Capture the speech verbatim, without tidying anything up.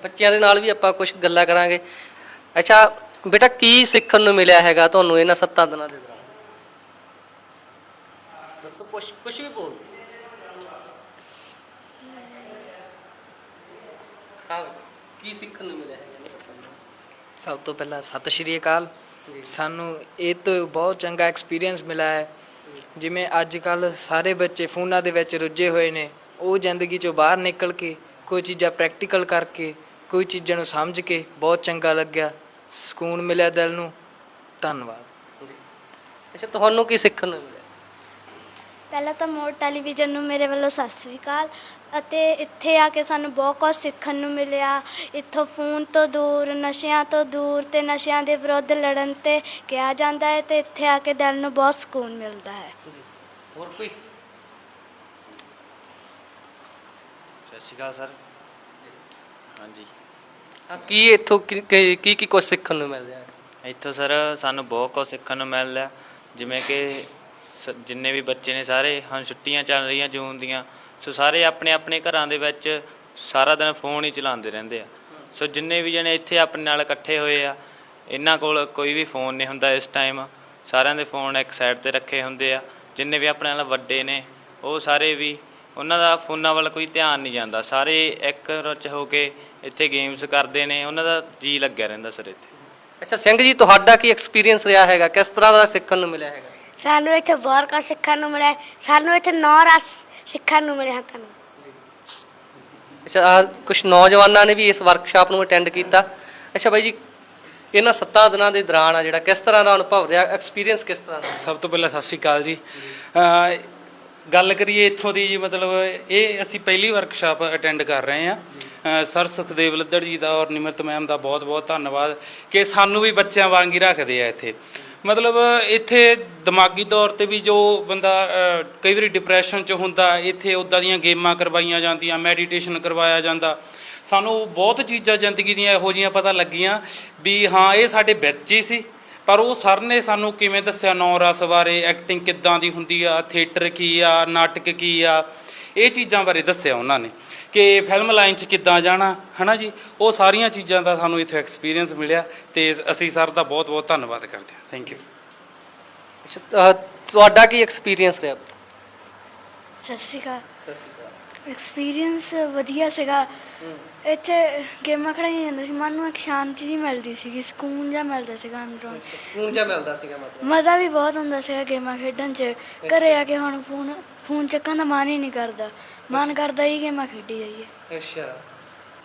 ਬੱਚਿਆਂ ਦੇ ਨਾਲ ਵੀ ਆਪਾਂ ਕੁਝ ਗੱਲਾਂ ਕਰਾਂਗੇ। ਅੱਛਾ ਬੇਟਾ, ਕੀ ਸਿੱਖਣ ਨੂੰ ਮਿਲਿਆ ਹੈਗਾ ਤੁਹਾਨੂੰ ਇਹਨਾਂ ਸੱਤਾਂ ਦਿਨਾਂ ਦੇ ਦੌਰਾਨ? ਦੱਸੋ, ਕੁਛ ਕੁਛ ਵੀ ਬੋਲ। ਹਾਂ, ਕੀ ਸਿੱਖਣ ਨੂੰ ਮਿਲਿਆ ਹੈਗਾ ਇਹਨਾਂ ਸੱਤਾਂ ਦਿਨਾਂ ਸਭ ਤੋਂ ਪਹਿਲਾਂ ਸਤਿ ਸ਼੍ਰੀ ਅਕਾਲ। ਜੀ। ਸਾਨੂੰ ਇਹ ਤੋਂ ਬਹੁਤ ਚੰਗਾ ਐਕਸਪੀਰੀਅੰਸ ਮਿਲਿਆ ਹੈ। ਜਿਵੇਂ ਅੱਜ ਕੱਲ੍ਹ ਸਾਰੇ ਬੱਚੇ ਫੋਨਾਂ ਦੇ ਵਿੱਚ ਰੁੱਝੇ ਹੋਏ ਨੇ, ਉਹ ਜ਼ਿੰਦਗੀ 'ਚੋਂ ਬਾਹਰ ਨਿਕਲ ਕੇ ਕੋਈ ਚੀਜ਼ਾਂ ਪ੍ਰੈਕਟੀਕਲ ਕਰਕੇ, ਕੋਈ ਚੀਜ਼ਾਂ ਨੂੰ ਸਮਝ ਕੇ ਬਹੁਤ ਚੰਗਾ ਲੱਗਿਆ, ਸਕੂਨ ਮਿਲਿਆ ਦਿਲ ਨੂੰ। ਧੰਨਵਾਦ। ਜੀ। ਅੱਛਾ, ਤੁਹਾਨੂੰ ਕੀ ਸਿੱਖਣ ਨੂੰ ਮਿਲਿਆ? ਪਹਿਲਾਂ ਤਾਂ ਮੋੜ ਟੈਲੀਵਿਜ਼ਨ ਨੂੰ ਮੇਰੇ ਵੱਲੋਂ ਸਤਿ ਸ਼੍ਰੀ ਅਕਾਲ। ਅਤੇ ਇੱਥੇ ਆ ਕੇ ਸਾਨੂੰ ਬਹੁਤ ਕੁਝ ਸਿੱਖਣ ਨੂੰ ਮਿਲਿਆ। ਇੱਥੋਂ ਫੋਨ ਤੋਂ ਦੂਰ, ਨਸ਼ਿਆਂ ਤੋਂ ਦੂਰ ਅਤੇ ਨਸ਼ਿਆਂ ਦੇ ਵਿਰੁੱਧ ਲੜਨ 'ਤੇ ਕਿਹਾ ਜਾਂਦਾ ਹੈ, ਅਤੇ ਇੱਥੇ ਆ ਕੇ ਦਿਲ ਨੂੰ ਬਹੁਤ ਸਕੂਨ ਮਿਲਦਾ ਹੈ। ਹੋਰ ਕੋਈ? ਸਤਿ ਸ਼੍ਰੀ ਅਕਾਲ ਸਰ। ਹਾਂਜੀ, ਹਾਂ, ਕੀ ਇੱਥੋਂ ਕੀ ਕੀ ਕੀ ਕੀ ਕੁਛ ਸਿੱਖਣ ਨੂੰ ਮਿਲ ਰਿਹਾ ਹੈ? ਇੱਥੋਂ ਸਰ ਸਾਨੂੰ ਬਹੁਤ ਕੁਝ ਸਿੱਖਣ ਨੂੰ ਮਿਲ ਰਿਹਾ। ਜਿਵੇਂ ਕਿ ਸ ਜਿੰਨੇ ਵੀ ਬੱਚੇ ਨੇ ਸਾਰੇ, ਹੁਣ ਛੁੱਟੀਆਂ ਚੱਲ ਰਹੀਆਂ ਜੂਨ ਦੀਆਂ, ਸੋ ਸਾਰੇ ਆਪਣੇ ਆਪਣੇ ਘਰਾਂ ਦੇ ਵਿੱਚ ਸਾਰਾ ਦਿਨ ਫੋਨ ਹੀ ਚਲਾਉਂਦੇ ਰਹਿੰਦੇ ਆ। ਸੋ ਜਿੰਨੇ ਵੀ ਜਣੇ ਇੱਥੇ ਆਪਣੇ ਨਾਲ ਇਕੱਠੇ ਹੋਏ ਆ, ਇਹਨਾਂ ਕੋਲ ਕੋਈ ਵੀ ਫੋਨ ਨਹੀਂ ਹੁੰਦਾ ਇਸ ਟਾਈਮ। ਸਾਰਿਆਂ ਦੇ ਫੋਨ ਇੱਕ ਸਾਈਡ 'ਤੇ ਰੱਖੇ ਹੁੰਦੇ ਆ। ਜਿੰਨੇ ਵੀ ਆਪਣੇ ਨਾਲ ਵੱਡੇ ਨੇ, ਉਹ ਸਾਰੇ ਵੀ, ਉਹਨਾਂ ਦਾ ਫੋਨਾਂ ਵੱਲ ਕੋਈ ਧਿਆਨ ਨਹੀਂ ਜਾਂਦਾ। ਸਾਰੇ ਇੱਕ ਰੁੱਚ ਹੋ ਕੇ ਇੱਥੇ ਗੇਮਸ ਕਰਦੇ ਨੇ, ਉਹਨਾਂ ਦਾ ਜੀ ਲੱਗਿਆ ਰਹਿੰਦਾ ਸਰ ਇੱਥੇ। ਅੱਛਾ ਸਿੰਘ ਜੀ, ਤੁਹਾਡਾ ਕੀ ਐਕਸਪੀਰੀਅੰਸ ਰਿਹਾ ਹੈਗਾ? ਕਿਸ ਤਰ੍ਹਾਂ ਦਾ ਸਿੱਖਣ ਨੂੰ ਮਿਲਿਆ ਹੈਗਾ? ਸਾਨੂੰ ਇੱਥੇ ਬਹੁਤ ਕੁਝ ਸਿੱਖਣ ਨੂੰ ਮਿਲਿਆ। ਸਾਨੂੰ ਇੱਥੇ ਨੌ ਰਸ ਸਿੱਖਣ ਨੂੰ ਮਿਲਿਆ ਤੁਹਾਨੂੰ। ਅੱਛਾ, ਕੁਝ ਨੌਜਵਾਨਾਂ ਨੇ ਵੀ ਇਸ ਵਰਕਸ਼ਾਪ ਨੂੰ ਅਟੈਂਡ ਕੀਤਾ। ਅੱਛਾ ਬਾਈ ਜੀ, ਇਹਨਾਂ ਸੱਤਾਂ ਦਿਨਾਂ ਦੇ ਦੌਰਾਨ ਆ ਜਿਹੜਾ ਕਿਸ ਤਰ੍ਹਾਂ ਦਾ ਅਨੁਭਵ ਰਿਹਾ, ਐਕਸਪੀਰੀਅੰਸ ਕਿਸ ਤਰ੍ਹਾਂ ਦਾ? ਸਭ ਤੋਂ ਪਹਿਲਾਂ ਸਤਿ ਸ਼੍ਰੀ ਅਕਾਲ ਜੀ। ਅ, ਗੱਲ ਕਰੀਏ ਇੱਥੋਂ ਦੀ ਜੀ, ਮਤਲਬ ਇਹ ਅਸੀਂ ਪਹਿਲੀ ਵਰਕਸ਼ਾਪ ਅਟੈਂਡ ਕਰ ਰਹੇ ਹਾਂ। ਸਰ ਸੁਖਦੇਵ ਲੱਦੜ ਜੀ ਦਾ ਔਰ ਨਿਮਰਤ ਮੈਮ ਦਾ ਬਹੁਤ ਬਹੁਤ ਧੰਨਵਾਦ ਕਿ ਸਾਨੂੰ ਵੀ ਬੱਚਿਆਂ ਵਾਂਗ ਹੀ ਰੱਖਦੇ ਆ ਇੱਥੇ। ਮਤਲਬ ਇੱਥੇ ਦਿਮਾਗੀ ਤੌਰ 'ਤੇ ਵੀ ਜੋ ਬੰਦਾ ਕਈ ਵਾਰੀ ਡਿਪਰੈਸ਼ਨ 'ਚ ਹੁੰਦਾ, ਇੱਥੇ ਉੱਦਾਂ ਦੀਆਂ ਗੇਮਾਂ ਕਰਵਾਈਆਂ ਜਾਂਦੀਆਂ, ਮੈਡੀਟੇਸ਼ਨ ਕਰਵਾਇਆ ਜਾਂਦਾ। ਸਾਨੂੰ ਬਹੁਤ ਚੀਜ਼ਾਂ ਜ਼ਿੰਦਗੀ ਦੀਆਂ ਇਹੋ ਜਿਹੀਆਂ ਪਤਾ ਲੱਗੀਆਂ ਵੀ ਹਾਂ, ਇਹ ਸਾਡੇ ਵਿੱਚ ਹੀ ਸੀ। ਪਰ ਉਹ ਸਰ ਨੇ ਸਾਨੂੰ ਕਿਵੇਂ ਦੱਸਿਆ ਨੌ ਰਸ ਬਾਰੇ, ਐਕਟਿੰਗ ਕਿੱਦਾਂ ਦੀ ਹੁੰਦੀ ਆ, ਥੀਏਟਰ ਕੀ ਆ, ਨਾਟਕ ਕੀ ਆ, ਇਹ ਚੀਜ਼ਾਂ ਬਾਰੇ ਦੱਸਿਆ ਉਹਨਾਂ ਨੇ ਕਿ ਫਿਲਮ ਲਾਈਨ 'ਚ ਕਿੱਦਾਂ ਜਾਣਾ, ਹੈ ਨਾ ਜੀ। ਉਹ ਸਾਰੀਆਂ ਚੀਜ਼ਾਂ ਦਾ ਸਾਨੂੰ ਇੱਥੇ ਐਕਸਪੀਰੀਅੰਸ ਮਿਲਿਆ ਅਤੇ ਅਸੀਂ ਸਰ ਦਾ ਬਹੁਤ ਬਹੁਤ ਧੰਨਵਾਦ ਕਰਦੇ ਹਾਂ। Thank you. ਅੱਛਾ, ਤੁਹਾਡਾ ਕੀ ਐਕਸਪੀਰੀਅੰਸ ਰਿਹਾ? ਸਤਿ ਸ਼੍ਰੀ ਅਕਾਲ। ਸਤਿ ਸ਼੍ਰੀ ਅਕਾਲ। ਐਕਸਪੀਰੀਅੰਸ ਵਧੀਆ ਸੀਗਾ। ਇੱਥੇ ਗੇਮਾਂ ਖਿਡਾਈਆਂ ਜਾਂਦੀਆਂ ਸੀ, ਮਨ ਨੂੰ ਇੱਕ ਸ਼ਾਂਤੀ ਜਿਹੀ ਮਿਲਦੀ ਸੀਗੀ, ਸਕੂਨ ਜਿਹਾ ਮਿਲਦਾ ਸੀਗਾ ਅੰਦਰੋਂ। ਸਕੂਨ ਜਿਹਾ ਮਿਲਦਾ ਸੀਗਾ ਮਤਲਬ? ਮਜ਼ਾ ਵੀ ਬਹੁਤ ਹੁੰਦਾ ਸੀਗਾ ਗੇਮਾਂ ਖੇਡਣ 'ਚ। ਘਰੇ ਆ ਕੇ ਹੁਣ ਫੋਨ ਫੋਨ ਚੱਕਣ ਦਾ ਮਨ ਹੀ ਨਹੀਂ ਕਰਦਾ, ਮਨ ਕਰਦਾ ਹੀ ਗੇਮਾਂ ਖੇਡੀ ਜਾਈਏ। ਅੱਛਾ,